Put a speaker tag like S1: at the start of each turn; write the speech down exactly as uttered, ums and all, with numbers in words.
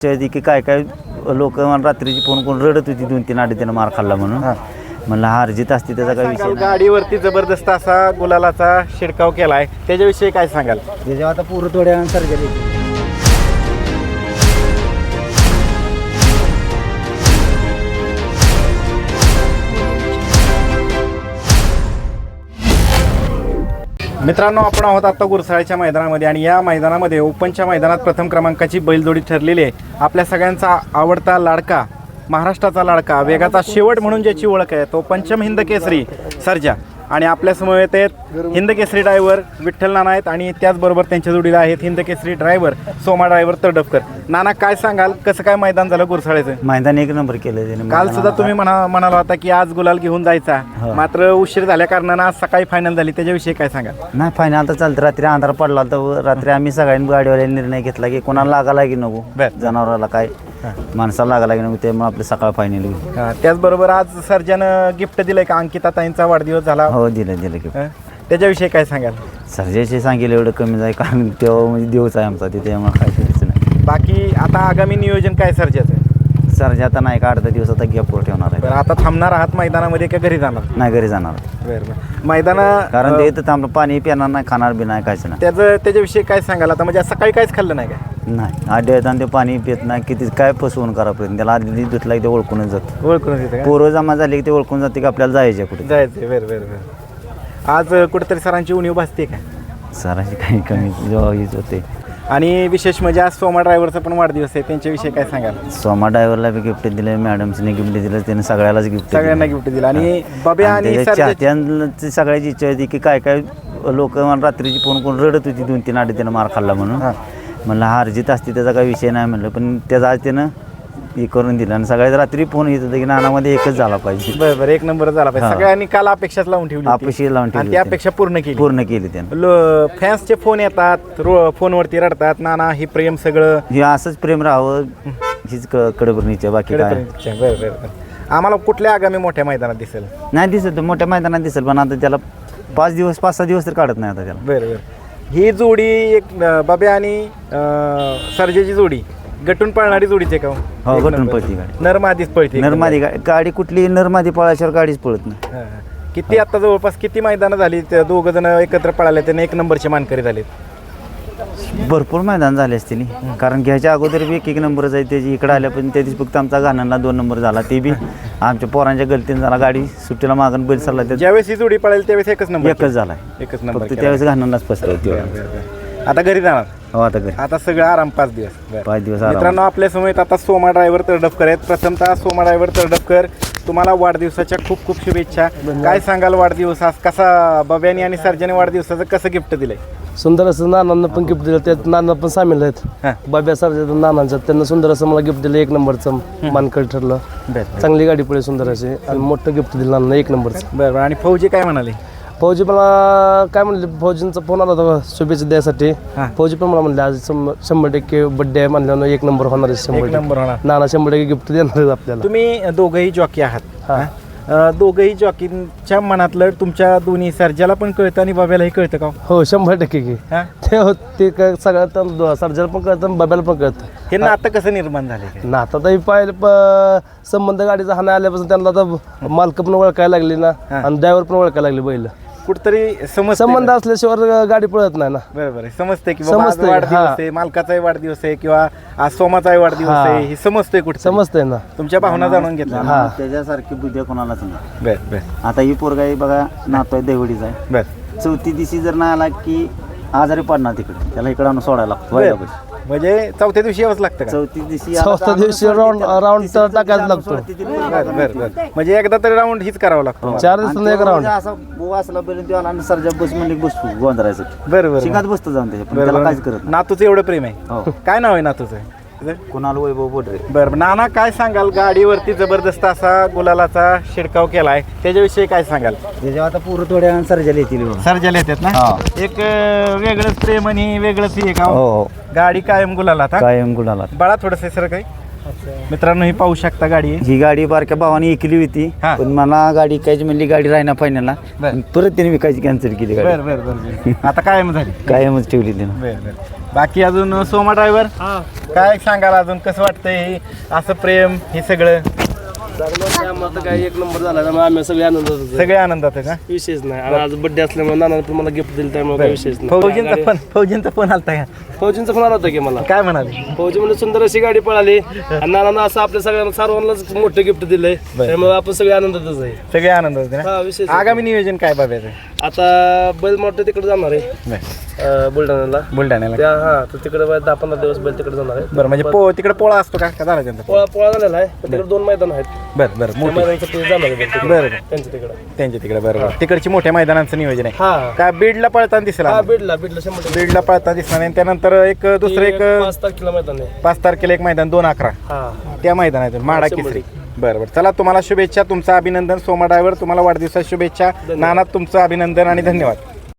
S1: की काय काय लोक रात्रीची फोन करून रडत होती दोन तीन आधी त्यानं मार खाल्ला म्हणून. म्हणलं हा अर्जित असते त्याचा काय विषय.
S2: गाडीवरती जबरदस्त असा गुलालाचा शिडकाव केलाय, त्याच्याविषयी काय सांगाल?
S1: त्याच्यावर आता पूर्ण थोड्या सर्जरी.
S2: मित्रांनो, आपण आहोत आता गुरसाळ्याच्या मैदानामध्ये आणि या मैदानामध्ये ओपनच्या मैदानात प्रथम क्रमांकाची बैलजोडी ठरलेली आहे. आपल्या सगळ्यांचा आवडता लाडका, महाराष्ट्राचा लाडका, वेगाचा शेवट म्हणून ज्याची ओळख आहे तो पंचम हिंद केसरी सर्जा. आणि आपल्या समवेत आहेत हिंद केसरी ड्रायव्हर विठ्ठल नाना आहेत आणि त्याचबरोबर त्यांच्या जोडीला आहेत हिंद केसरी ड्रायव्हर सोमा ड्रायव्हर तडफकर. नाना, काय सांगाल, कसं काय मैदान झालं गुरसाळ्याचं?
S1: मैदान एक नंबर केलं त्याने.
S2: काल सुद्धा तुम्ही म्हणा म्हणाला होता की आज गुलाल घेऊन जायचा, मात्र उशीर झाल्या कारणानं आज सकाळी फायनल झाली, त्याच्याविषयी काय सांगाल?
S1: नाही, फायनल तर चालतं. रात्री अंधार पडला तर रात्री आम्ही सगळ्यांनी गाडीवाल्याने निर्णय घेतला की कोणाला लागायला की नको, जनावराला काय माणसाला लागायला की नको, त्यामुळे आपलं सकाळ फायनल होईल.
S2: त्याचबरोबर आज सर्जानं गिफ्ट दिलंय का? अंकिता ताईंचा वाढदिवस झाला.
S1: हो, दिलं दिलं गिफ्ट.
S2: त्याच्याविषयी काय सांगाल?
S1: सर्जाचे सांगितलं एवढं कमी जाईल, कारण तेव्हा म्हणजे देवच आहे आमचा, तिथे त्यामुळे काय करायचं नाही.
S2: बाकी आता आगामी नियोजन काय सर्जाचं?
S1: सर्जा आता नाही का अर्धा दिवस आता गॅपवर ठेवणार आहे.
S2: बरं, आता थांबणार आहात मैदानामध्ये का घरी जाणार?
S1: नाही, घरी जाणार.
S2: बरं बरं. मैदाना
S1: कारण ते इथं थांबलं, पाणी पिणार नाही, खाणार बी नाही, कायच नाही.
S2: त्याचं त्याच्याविषयी काय सांगाल? आता म्हणजे सकाळी काहीच खाल्लं नाही का?
S1: नाही, आधी येताना ते पाणी पित नाही, किती काय फसवून करापर्यंत त्याला आधी धुतला की ते ओळखूनच जातं.
S2: ओळखून येते
S1: पोरं जमा झाली की ते ओळखून जाते की आपल्याला जायचं कुठे
S2: जायचं. बरं बरं बरं. आज कुठेतरी सरांची उणीव भासते का?
S1: सरांची काही कमी जेव्हा हीच होते.
S2: आणि विशेष म्हणजे आज सोमा ड्रायव्हरचा पण वाढदिवस आहे, त्यांच्याविषयी काय सांगाल?
S1: सोमा ड्रायव्हरला बी गिफ्ट दिलं, मॅडमने गिफ्ट दिलं, त्याने सगळ्यालाच गिफ्ट
S2: सगळ्यांना गिफ्ट दिलं. आणि बाब्या आणि
S1: चाहत्यांची सगळ्याची इच्छा होती की काय काय लोक रात्रीची फोन करून रडत होती दोन तीन आधी त्यानं मार खाल्ला म्हणून. म्हणलं हा अर्जित असते त्याचा काही विषय नाही म्हणलं, पण त्याचा आज त्यानं हे करून दिलं आणि सगळ्यात रात्री फोन येत होतं की नानामध्ये एकच झाला पाहिजे.
S2: बरं बरं, एक नंबर झाला पाहिजे. सगळ्यांनी काल अपेक्षाच लावून ठेवली,
S1: अपेक्षा लावून ठेवली,
S2: ती अपेक्षा पूर्ण केली
S1: पूर्ण केली त्यानं.
S2: फॅन्सचे फोन येतात, फोनवरती रडतात, नाना हे प्रेम सगळं
S1: हे असंच प्रेम राहावं हीच कडबरणीच्या, बाकी काय.
S2: बरं बरं. आम्हाला कुठल्या आगामी मोठ्या मैदानात दिसेल?
S1: नाही दिसत, मोठ्या मैदानात दिसेल, पण आता त्याला पाच दिवस पाच सहा दिवस तर काढत नाही आता त्याला.
S2: बरं बरं. ही जोडी एक बाब्या आणि सर्जेची जोडी गटून पळणारी जोडीचे का?
S1: हो, गटून पळती गाडी,
S2: नरमादीच पळते.
S1: नरमादी गाडी कुठली नरमादी पळाल्याशिवाय गाडीच पळत नाही.
S2: किती आता जवळपास किती मैदानं झाली, दोघ जण एकत्र पळाले, त्याने एक नंबरचे मानकरी झाले?
S1: भरपूर मैदान झाले असतील, कारण घ्यायच्या अगोदर बी एक एक नंबरच आहे त्याची. इकडे आल्या पण त्या दिवशी फक्त आमचा घाणांना दोन नंबर झाला, ते बी आमच्या पोरांच्या गलतीने झाला. गाडी सुट्टीला मागून बैल चालला,
S2: ज्यावेळेस ही जोडी पळाली त्यावेळेस एकच नंबर
S1: एकच झाला,
S2: एकच नंबर.
S1: त्यावेळेस घाणांनाच फसवतो.
S2: आता घरी जाणार?
S1: हो, आता घरी.
S2: आता सगळं आराम, पाच दिवस
S1: पाच दिवस.
S2: मित्रांनो, आपल्या समोर आता सोमा ड्रायव्हर तडफकर आहेत. प्रथमतः सोमा ड्रायव्हर तडफकर, तुम्हाला वाढदिवसाच्या खूप खूप शुभेच्छा. काय सांगाल वाढदिवस आज कसा? बब्यानी आणि सर्जाने वाढदिवसाचं कसं गिफ्ट दिलंय?
S3: सुंदर असं नानांना पण गिफ्ट दिलं, त्यात नाना पण सामील आहेत. बाब्या सर्जा नानांचं, त्यांना सुंदर असं मला गिफ्ट दिलं, एक नंबरचं मानकरी ठरलं. चांगली गाडी पडली सुंदर अशी आणि मोठं गिफ्ट दिलं नाना, एक नंबरचं.
S2: बरं. आणि फौजी काय म्हणाले?
S3: फौजी मला काय म्हणले, फौजींचा फोन आला होता शुभेच्छा द्यायसाठी. फौजी पण मला म्हणले आज शंभर टक्के बड्डे आहे म्हणल्यानं एक नंबर होणार आहे, शंभर
S2: नंबर होणार.
S3: नाना शंभर टक्के गिफ्ट देणार आपल्याला.
S2: तुम्ही दोघंही जॉकी आहात, दोघंही जॉकींच्या मनातलं तुमच्या दोन्ही सर्जाला पण कळतं आणि बाब्यालाही कळतं का?
S3: हो, शंभर टक्के की ते काय सगळ्यात सर्जाला पण कळतं, बाब्याला पण कळतं.
S2: हे नातं कसं निर्माण झाले?
S3: नातं तर पाहिलं संबंध गाडीचा हाना आल्यापासून त्यांना आता मालक पण ओळखायला लागली ना आणि ड्रायव्हर पण ओळखायला लागले. बैल
S2: कुठतरी समज
S3: संबंध असल्याशिवाय गाडी पळत नाही ना.
S2: बरोबर आहे, समजते की समजते वाढदिवस आहे, मालकाचाही वाढदिवस आहे किंवा आज सोमाचाही वाढदिवस आहे, हे समजतंय कुठे,
S3: समजतंय ना.
S2: तुमच्या भावना जाणून घेतल्या.
S1: हा, त्याच्यासारखी बुद्धी कोणालाच नाही.
S2: बर बर.
S1: आता ही पोरगाई बघा, नातो आहे देवडीचा आहे.
S2: बर.
S1: चौथी दिवशी जर नाही आला की आजारी पडणार तिकडे, त्याला इकडे आणून सोडायला लागतो.
S2: म्हणजे चौथ्या दिवशी यावंच लागतं का?
S1: चौथी दिवशी
S3: चौथ्या दिवशी राऊंड राऊंड टाकायला लागतो.
S2: बरं बरं. म्हणजे एकदा तरी राऊंड हीच करावं लागतं.
S3: चार दिवसांना एक राऊंड
S1: असा बोवा असला पर्यंत आणि सर्जा बस म्हणजे बसतो गोंधळायचं.
S2: बरोबर.
S1: शिकात बसतो जाऊन त्याच्या, त्याला काहीच करत.
S2: नातूचं एवढं प्रेम आहे. काय नाव आहे नातूचं?
S1: कुणाल वैभव बोडरे.
S2: बरं. नाना, काय सांगाल, गाडीवरती जबरदस्त असा गुलालाचा शिडकाव केलाय, त्याच्याविषयी काय सांगाल?
S1: त्याच्यावर आता पूर्ण थोड्या सर्जाला येतील,
S2: सर्जाला येतात ना. एक वेगळंच प्रेम आणि वेगळंच हे का?
S1: हो,
S2: गाडी कायम गुलाला,
S1: कायम गुलाला.
S2: बाळा थोडंसं सर काही मित्रांनो ही पाहू शकता गाडी.
S1: ही गाडी बारक्या भावाने ऐकली होती, पण मला गाडी कायची म्हणली गाडी राहिना फायनलला, परत त्याने विकायची कॅन्सल केली गाडी.
S2: बरं बरं बरं. आता कायम झाली,
S1: कायमच ठेवली त्यानं.
S2: बरं बरं. बाकी अजून सोमा ड्रायव्हर काय सांगाल अजून कसं वाटतंय हे असं प्रेम हे सगळं
S3: आम्हाला काय एक नंबर झाला त्यामुळे आम्ही सगळे आनंदात होतो.
S2: सगळे आनंदात आहे का
S3: विशेष नाही आणि आज बड्डे असल्यामुळे नानाने पण मला गिफ्ट दिलं त्यामुळे काही विशेष नाही.
S2: फौजींचा फोन फौजींचा फोन आलता का
S3: फौजींचा फोन आला होता की मला.
S2: काय म्हणाले
S3: फौजी म्हणजे सुंदर अशी गाडी पळाली आणि नानानं असं आपल्या सगळ्यांना सर्वांनाच मोठं गिफ्ट दिलंय त्यामुळे आपण सगळे आनंदातच आहे.
S2: सगळे आनंदात आहे
S3: हा
S2: ना
S3: विशेष
S2: आगामी नियोजन काय बाबाचं
S3: आता बैल मोठं तिकडे जाणार आहे अं, बुलढाण्याला
S2: बुलढाण्याला
S3: त्या हा तर तिकडे बा- दहा पंधरा दिवस बैल तिकडे जाणार आहे.
S2: बरं म्हणजे पो तिकडे पोळा असतो का का झाला त्यांचा
S3: पोळा पोळा झालेला आहे पण तिकडे दोन मैदान आहेत.
S2: बरं बरं
S3: त्या
S2: मोठी
S3: मैदानाचं ते जाणार आहे बैल तिकडे.
S2: बरं बरं
S3: त्यांच्या तिकडे
S2: त्यांच्या तिकडे बरं बरं तिकडची मोठ्या मैदानाचं नियोजन आहे
S3: हा
S2: काय बीडला पळताना दिसला
S3: हा बीडला बीडला शंभर टक्के.
S2: बीडला पळताना दिसला नाही त्यानंतर एक दुसरं एक
S3: एक पाच तारखेला मैदान आहे.
S2: पाच तारखेला एक मैदान दोन अकरा
S3: हा
S2: त्या मैदानातून माडा
S3: शंभर
S2: केसरी बरं बरं चला तुम्हाला शुभेच्छा तुमचं अभिनंदन सोमा ड्रायव्हर तुम्हाला वाढदिवसाच्या शुभेच्छा नानात तुमचं अभिनंदन आणि धन्यवाद